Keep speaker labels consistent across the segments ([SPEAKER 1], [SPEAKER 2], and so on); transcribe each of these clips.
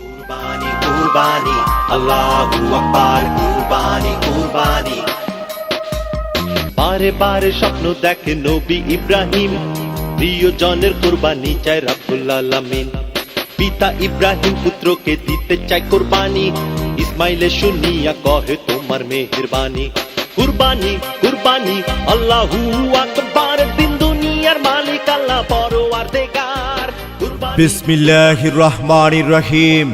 [SPEAKER 1] কুরবানি কুরবানি আল্লাহু আকবার কুরবানি কুরবানি বারে বারে স্বপ্ন দেখে নবী ইব্রাহিম প্রিয়জনের কুরবানি চায় রব্বুল আলামিন পিতা ইব্রাহিম পুত্রকে দিতে চায় কুরবানি ইসমাইলে শুনিয়া কহে তোমার মেহেরবানি কুরবানি কুরবানি আল্লাহু আকবার দিন দুনিয়ার মালিক আল্লাহ পরওয়ারদিগার
[SPEAKER 2] বিসমিল্লাহির রহমানির রহিম।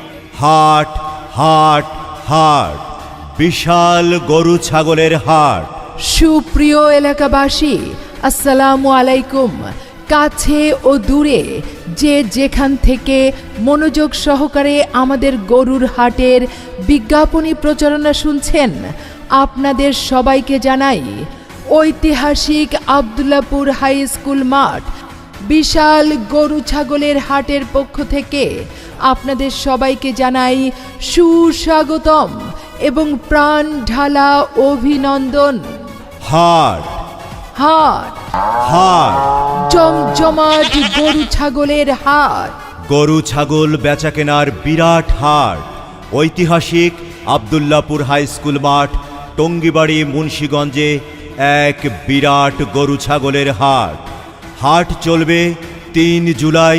[SPEAKER 2] হাট হাট হাট, বিশাল গরু ছাগলের হাট।
[SPEAKER 3] সুপ্রিয় এলাকাবাসী, আসসালামু আলাইকুম। কাছে ও দূরে যে যেখান থেকে মনোযোগ সহকারে আমাদের গরুর হাটের বিজ্ঞাপনী প্রচারণা শুনছেন, আপনাদের সবাইকে জানাই ঐতিহাসিক আব্দুল্লাহপুর হাই স্কুল মাঠ বিশাল গরু ছাগলের হাটের পক্ষ থেকে আপনাদের সবাইকে জানাই সুস্বাগতম এবং প্রাণ ঢালা অভিনন্দন।
[SPEAKER 2] হাট
[SPEAKER 3] হাট
[SPEAKER 2] হাট,
[SPEAKER 3] জমজমাট গরু ছাগলের হাট।
[SPEAKER 2] গরু ছাগল বেচাকেনার বিরাট হাট। ঐতিহাসিক আব্দুল্লাহপুর হাই স্কুল মাঠ, টঙ্গিবাড়ি, মুন্সিগঞ্জে এক বিরাট গরু ছাগলের হাট। হাট চলবে ৩ জুলাই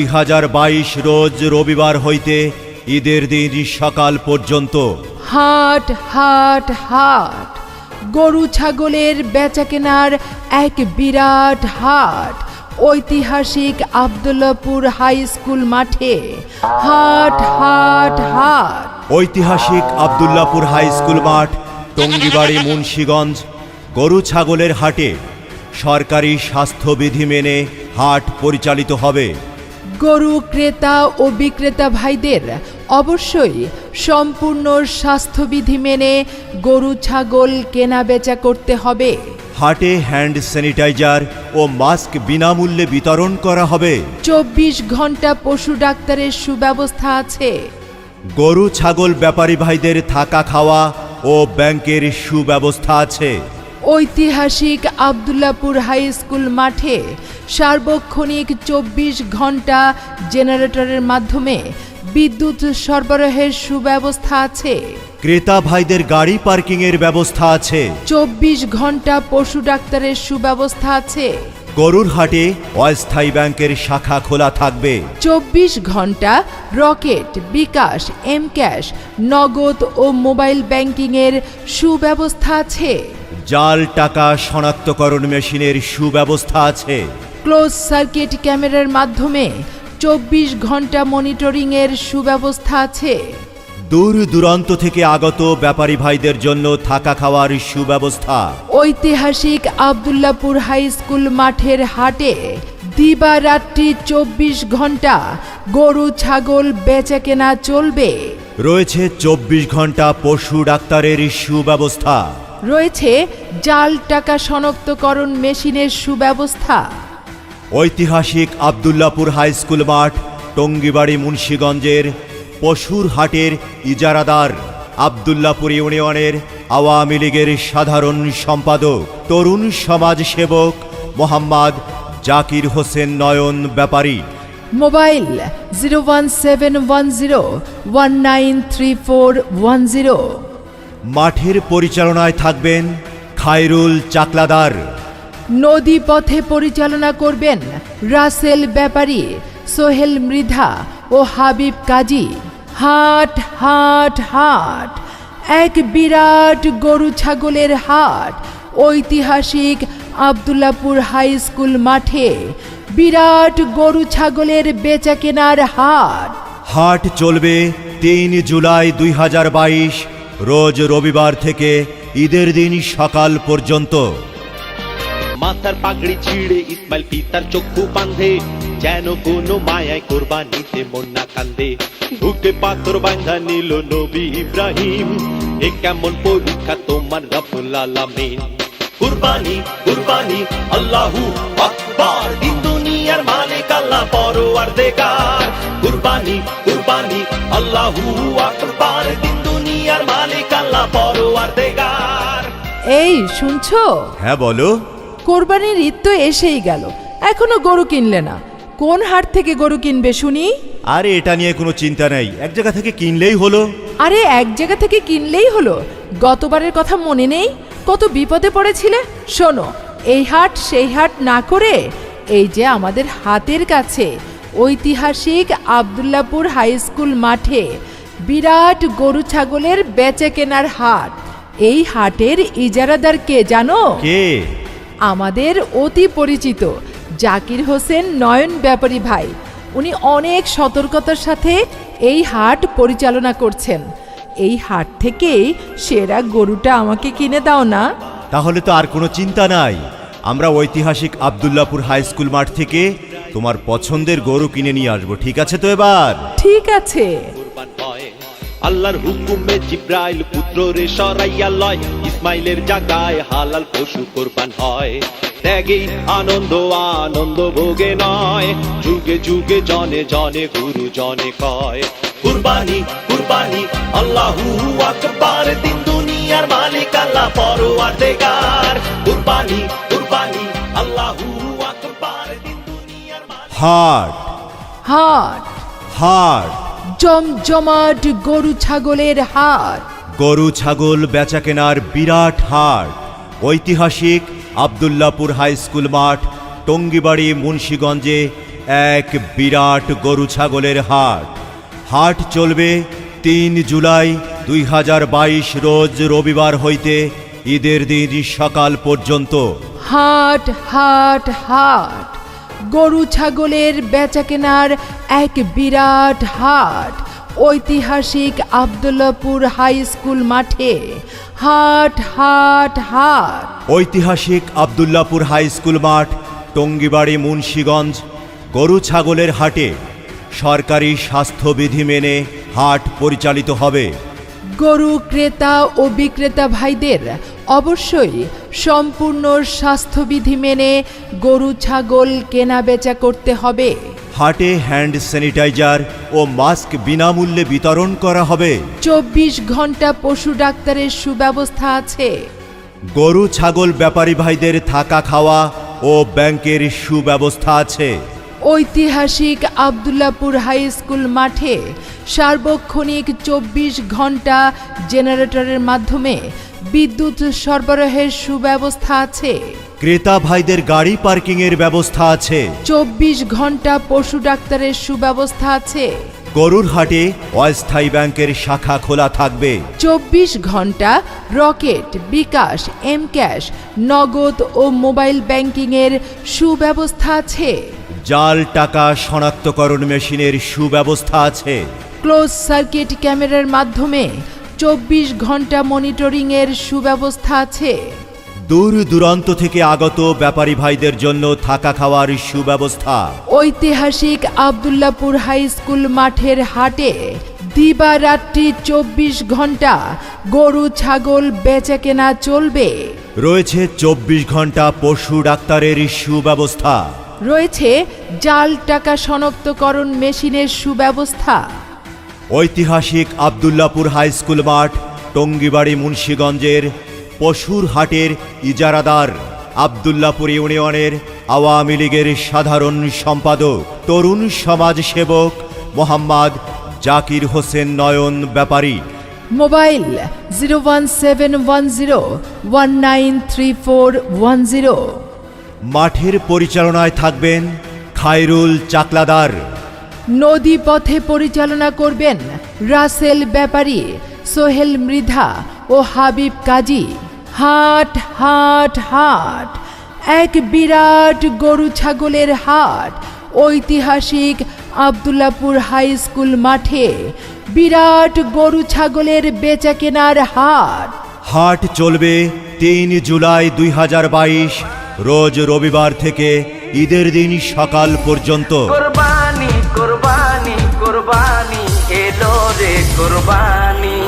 [SPEAKER 2] ২০২২ রোজ রবিবার হইতে ঈদের দিন সকাল পর্যন্ত।
[SPEAKER 3] হাট হাট হাট, গরু ছাগলের বেচাকেনার এক বিরাট হাট। ঐতিহাসিক আব্দুল্লাহপুর হাই স্কুল মাঠে হাট হাট হাট।
[SPEAKER 2] ঐতিহাসিক আব্দুল্লাহপুর হাই স্কুল মাঠ, টঙ্গিবাড়ি, মুন্সিগঞ্জ। গরু ছাগলের হাটে সরকারি স্বাস্থ্যবিধি মেনে হাট পরিচালিত হবে।
[SPEAKER 3] গরু ক্রেতা ও বিক্রেতা ভাইদের অবশ্যই সম্পূর্ণ স্বাস্থ্যবিধি মেনে গরু ছাগল কেনা বেচা করতে হবে।
[SPEAKER 2] হাটে হ্যান্ড স্যানিটাইজার ও মাস্ক বিনামূল্যে বিতরণ করা হবে।
[SPEAKER 3] ২৪ ঘন্টা পশু ডাক্তারের সুব্যবস্থা আছে।
[SPEAKER 2] গরু ছাগল ব্যাপারী ভাইদের থাকা খাওয়া ও ব্যাংকের সুব্যবস্থা আছে।
[SPEAKER 3] ঐতিহাসিক আব্দুল্লাহপুর হাই স্কুল মাঠে সার্বক্ষণিক ২৪ ঘন্টা জেনারেটরের মাধ্যমে বিদ্যুৎ সরবরাহের সুব্যবস্থা আছে।
[SPEAKER 2] ক্রেতা ভাইদের গাড়ি পার্কিংয়ের ব্যবস্থা আছে।
[SPEAKER 3] ২৪ ঘন্টা পশু ডাক্তারের সুব্যবস্থা আছে।
[SPEAKER 2] গরুর হাটে অস্থায়ী ব্যাংকের শাখা খোলা থাকবে।
[SPEAKER 3] ২৪ ঘন্টা রকেট, বিকাশ, এম ক্যাশ, নগদ ও মোবাইল ব্যাংকিংয়ের সুব্যবস্থা আছে।
[SPEAKER 2] জাল টাকা শনাক্তকরণ মেশিনের সুব্যবস্থা আছে।
[SPEAKER 3] ক্লোজ সার্কিট ক্যামেরার মাধ্যমে ২৪ ঘন্টা মনিটরিংয়ের সুব্যবস্থা আছে।
[SPEAKER 2] দূর দূরান্ত থেকে আগত ব্যাপারী ভাইদের জন্য থাকা খাওয়ার সুব্যবস্থা।
[SPEAKER 3] ঐতিহাসিক আব্দুল্লাহপুর হাই স্কুল মাঠের হাটে দিবারাত্রি ২৪ ঘন্টা গরু ছাগল বেচাকেনা চলবে।
[SPEAKER 2] রয়েছে ২৪ ঘন্টা পশু ডাক্তারের সুব্যবস্থা।
[SPEAKER 3] রয়েছে জাল টাকা শনাক্তকরণ মেশিনের সুব্যবস্থা।
[SPEAKER 2] ঐতিহাসিক আব্দুল্লাহপুর হাই স্কুল মাঠ, টঙ্গিবাড়ি, মুন্সিগঞ্জের পশুর হাটের ইজারাদার আব্দুল্লাহপুর ইউনিয়নের আওয়ামী লীগের সাধারণ সম্পাদক, তরুণ সমাজ সেবক মোহাম্মদ জাকির হোসেন নয়ন ব্যাপারী।
[SPEAKER 3] মোবাইল 01710193410।
[SPEAKER 2] মাঠের পরিচালনায় থাকবেন খায়রুল চাকলাদার।
[SPEAKER 3] নদী পথে পরিচালনা করবেন রাসেল ব্যাপারী, সোহেল মৃধা ও হাবিব কাজী। হাট হাট হাট, এক বিরাট গরু ছাগলের হাট। ঐতিহাসিক আব্দুল্লাহপুর হাই স্কুল মাঠে বিরাট গরু ছাগলের বেচাকেনার হাট।
[SPEAKER 2] হাট চলবে ৩ জুলাই ২০২২ রোজ রবিবার থেকে ঈদের দিন সকাল পর্যন্ত।
[SPEAKER 1] মাথার পাগড়ি ছিঁড়ে ইসমাইল পিতার চক্ষু বাঁধে, যেন কোনো মায়ায় কোরবানিতে মন না কান্দে। বুকে পাথর বাঁধা নিল নবী ইব্রাহিম, এ কেমন পরীক্ষা তোমার রব্বুল আলামিন। কুরবানি কুরবানি আল্লাহু আকবার, দিন দুনিয়ার মালিক আল্লাহ পরওয়ারদিগার। কুরবানি কুরবানি আল্লাহু আকবার, দিন দুনিয়ার মালিক আল্লাহ পরওয়ারদিগার।
[SPEAKER 3] এই শুনছো?
[SPEAKER 2] হ্যাঁ বলো।
[SPEAKER 3] কোরবানির ঈদ তো এসেই গেল, এখনো গরু কিনলে না। কোন হাট থেকে গরু কিনবে শুনি?
[SPEAKER 2] আরে এটা নিয়ে কোনো চিন্তা নেই, এক জায়গা থেকে কিনলেই হলো।
[SPEAKER 3] আরে এক জায়গা থেকে কিনলেই হলো? গতবারের কথা মনে নেই? কত বিপদে পড়েছিলে। শোনো, এই হাট সেই হাট না করে এই যে আমাদের হাতের কাছে ঐতিহাসিক আব্দুল্লাপুর হাই স্কুল মাঠে বিরাট গরু ছাগলের বেচা কেনার হাট। এই হাটের ইজারাদার কে জানো?
[SPEAKER 2] কে?
[SPEAKER 3] আমাদের অতি পরিচিত জাকির হোসেন নয়ন ব্যাপারী ভাই। উনি অনেক সতর্কতার সাথে এই হাট পরিচালনা করছেন। এই হাট থেকেই সেরা গরুটা আমাকে কিনে দাও না?
[SPEAKER 2] তাহলে তো আর কোনো চিন্তা নাই, আমরা ঐতিহাসিক আব্দুল্লাপুর হাই স্কুল মাঠ থেকে তোমার পছন্দের গরু কিনে নিয়ে আসবো। ঠিক আছে তো এবার?
[SPEAKER 3] ঠিক আছে।
[SPEAKER 1] কুরবান হয় আল্লাহর হুকুমে, জিব্রাইল পুত্র রে সরাইয়া লয়, ইসমাইলের জাগায় হালাল পশু কুরবান হয়। ত্যাগেই আনন্দ আনন্দ ভোগে নয়, যুগে যুগে জনে জনে গুরু জনে কয়। কুরবানি কুরবানি আল্লাহু আকবার, দিন দুনিয়ার মালিক আল্লাহ পরওয়ারদিগার। কুরবানি কুরবানি আল্লাহু আকবার, দিন দুনিয়ার মালিক।
[SPEAKER 2] হাট
[SPEAKER 3] হাট,
[SPEAKER 2] হাট,
[SPEAKER 3] জমজমাট গরু ছাগলের হাট।
[SPEAKER 2] গরু ছাগল বেচা কেনার বিরাট হাট। ঐতিহাসিক আব্দুল্লাপুর হাই স্কুল মাঠ, টঙ্গিবাড়ি, মুন্সিগঞ্জে এক বিরাট গরু ছাগলের হাট। হাট চলবে ৩ জুলাই ২০২২ রোজ রবিবার হইতে ঈদের দিন সকাল পর্যন্ত।
[SPEAKER 3] হাট হাট হাট, গরু ছাগলের বেচা কেনার এক বিরাট হাট। ঐতিহাসিক আব্দুল্লাপুর হাই স্কুল মাঠে হাট হাট হাট।
[SPEAKER 2] ঐতিহাসিক আব্দুল্লাপুর হাই স্কুল মাঠ, টঙ্গিবাড়ি, মুন্সিগঞ্জ। গরু ছাগলের হাটে সরকারি স্বাস্থ্যবিধি মেনে হাট পরিচালিত হবে।
[SPEAKER 3] গরু ক্রেতা ও বিক্রেতা ভাইদের অবশ্যই সম্পূর্ণ স্বাস্থ্যবিধি মেনে গরু ছাগল কেনা বেচা করতে হবে।
[SPEAKER 2] হাটে হ্যান্ড স্যানিটাইজার ও মাস্ক বিনামূল্যে বিতরণ করা হবে।
[SPEAKER 3] ২৪ ঘন্টা পশু ডাক্তারের সুব্যবস্থা আছে।
[SPEAKER 2] গরু ছাগল ব্যাপারী ভাইদের থাকা খাওয়া ও ব্যাংকের সুব্যবস্থা আছে।
[SPEAKER 3] ঐতিহাসিক আব্দুল্লাপুর হাই স্কুল মাঠে সার্বক্ষণিক ২৪ ঘন্টা জেনারেটরের মাধ্যমে বিদ্যুৎ সরবরাহের সুব্যবস্থা আছে।
[SPEAKER 2] ক্রেতা ভাইদের গাড়ি পার্কিংয়ের ব্যবস্থা আছে।
[SPEAKER 3] ২৪ ঘন্টা পশু ডাক্তারের সুব্যবস্থা আছে।
[SPEAKER 2] গরুর হাটে অস্থায়ী ব্যাংকের শাখা খোলা থাকবে।
[SPEAKER 3] ২৪ ঘন্টা রকেট, বিকাশ, এম ক্যাশ, নগদ ও মোবাইল ব্যাংকিংয়ের সুব্যবস্থা আছে।
[SPEAKER 2] জাল টাকা শনাক্তকরণ মেশিনের সুব্যবস্থা আছে।
[SPEAKER 3] ক্লোজ সার্কিট ক্যামেরার মাধ্যমে ২৪ ঘন্টা মনিটরিংয়ের সুব্যবস্থা আছে।
[SPEAKER 2] দূর দূরান্ত থেকে আগত ব্যাপারী ভাইদের জন্য থাকা খাওয়ার সুব্যবস্থা।
[SPEAKER 3] ঐতিহাসিক আব্দুল্লাপুর হাই স্কুল মাঠের হাটে দিবারাত্রি ২৪ ঘন্টা গরু ছাগল বেচা কেনা চলবে।
[SPEAKER 2] রয়েছে ২৪ ঘন্টা পশু ডাক্তারের সুব্যবস্থা।
[SPEAKER 3] রয়েছে জাল টাকা শনাক্তকরণ মেশিনের সুব্যবস্থা।
[SPEAKER 2] ঐতিহাসিক আব্দুল্লাপুর হাই স্কুল মাঠ, টঙ্গিবাড়ি, মুন্সিগঞ্জের পশুর হাটের ইজারাদার আব্দুল্লাপুর ইউনিয়নের আওয়ামী লীগের সাধারণ সম্পাদক, তরুণ সমাজ সেবক মোহাম্মদ জাকির হোসেন নয়ন ব্যাপারী।
[SPEAKER 3] মোবাইল 01710193410।
[SPEAKER 2] মাঠের পরিচালনায় থাকবেন খায়রুল চাকলাদার।
[SPEAKER 3] নদী পথে পরিচালনা করবেন রাসেল ব্যাপারী, সোহেল মৃধা ও হাবিব কাজী। হাট হাট হাট, এক বিরাট গরু ছাগলের হাট। ঐতিহাসিক আব্দুল্লাপুর হাই স্কুল মাঠে বিরাট গরু ছাগলের বেচা কেনার হাট।
[SPEAKER 2] হাট চলবে ৩ জুলাই ২০২২ রোজ রবিবার থেকে ঈদের দিন সকাল পর্যন্ত।
[SPEAKER 4] কুরবানি কুরবানি কুরবানি এলো রে কুরবানি।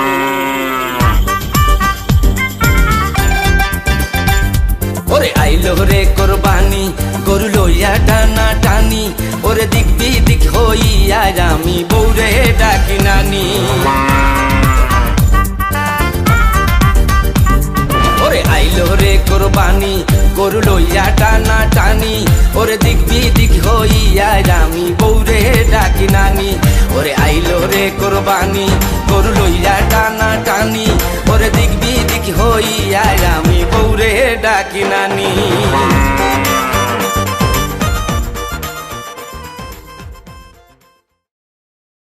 [SPEAKER 4] ওরে আইলো রে কুরবানি, গরু লইয়া টানা টানি। ওরে দিক বিদিক হইয়া আমি বৌরে ডাকি নানি। ওরে আইলো রে কুরবানি, গরু লইয়া টানা টানি। ওরে দিক বিদিক হইয়া আমি বউরে ডাকি নানি ওরে আইলো রে কোরবানি গরু লইয়া টানা টানি ওরে দিক বিদিক হইয়া আমি বউরে ডাকি নানি